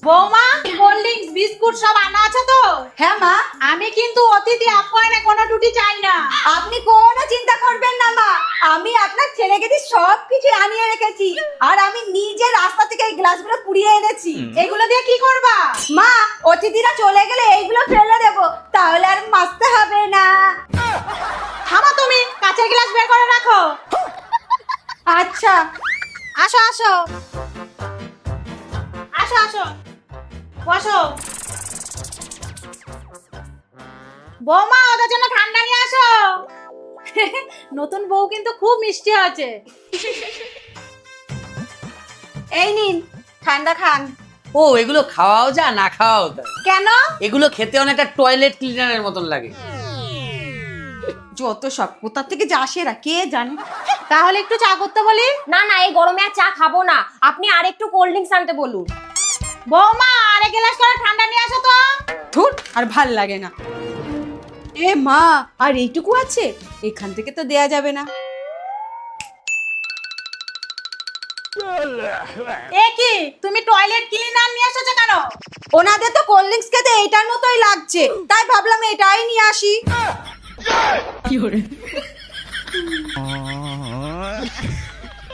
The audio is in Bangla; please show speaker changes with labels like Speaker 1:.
Speaker 1: বৌমা, কোল্ড ড্রিঙ্কস বিস্কুট সব আনা আছে তো?
Speaker 2: হ্যাঁ মা,
Speaker 1: আমি কিন্তু অতিথি আপ্যায়নে কোনো ত্রুটি চাই না।
Speaker 2: আপনি কোনো চিন্তা করবেন না মা, আমি আপনার ছেলেকে দিয়ে সবকিছু আনিয়ে রেখেছি। আর আমি নিজে রাস্তা থেকে এই গ্লাসগুলো পুড়িয়ে এনেছি।
Speaker 1: এগুলো দিয়ে কি করবা?
Speaker 2: মা, অতিথিরা চলে গেলে এইগুলো ফেলে দেবো, তাহলে আর মাজতে হবে না।
Speaker 1: থামো তুমি, কাঁচের গ্লাস বের করে রাখো।
Speaker 2: আচ্ছা,
Speaker 1: আসো আসো আসো আসো, বসো। বৌমা, ওদের জন্য ঠান্ডা নিয়ে আসো। নতুন বউ কিন্তু খুব মিষ্টি আছে।
Speaker 2: এই নিন, ঠান্ডা খান।
Speaker 3: ও, এগুলো খাওয়াও যা না খাওয়াও তা।
Speaker 1: কেন?
Speaker 3: এগুলো খেতে অনেকটা টয়লেট ক্লিনারের মতন লাগে।
Speaker 2: যত সব কোথা থেকে যে আসে এরা কে জানে।
Speaker 1: তাহলে একটু চা করতে বলি।
Speaker 4: না না, এই গরমে আর চা খাবো না, আপনি আর একটু কোল্ড ড্রিঙ্কস আনতে বলুন।
Speaker 1: বৌমা, আরেক গ্লাস করে ঠান্ডা নিয়ে আসো তো।
Speaker 2: ধুর, আর ভাল লাগে না। এ মা, আর এইটুকু আছে, এখান থেকে তো দেয়া যাবে না।
Speaker 1: এ কি, তুমি টয়লেট ক্লিনার নিয়ে এসেছো কেন?
Speaker 2: ওনাদের তো কোল্ড ড্রিঙ্কস খেতে এইটার মতোই লাগছে, তাই ভাবলাম এটাই নিয়ে আসি।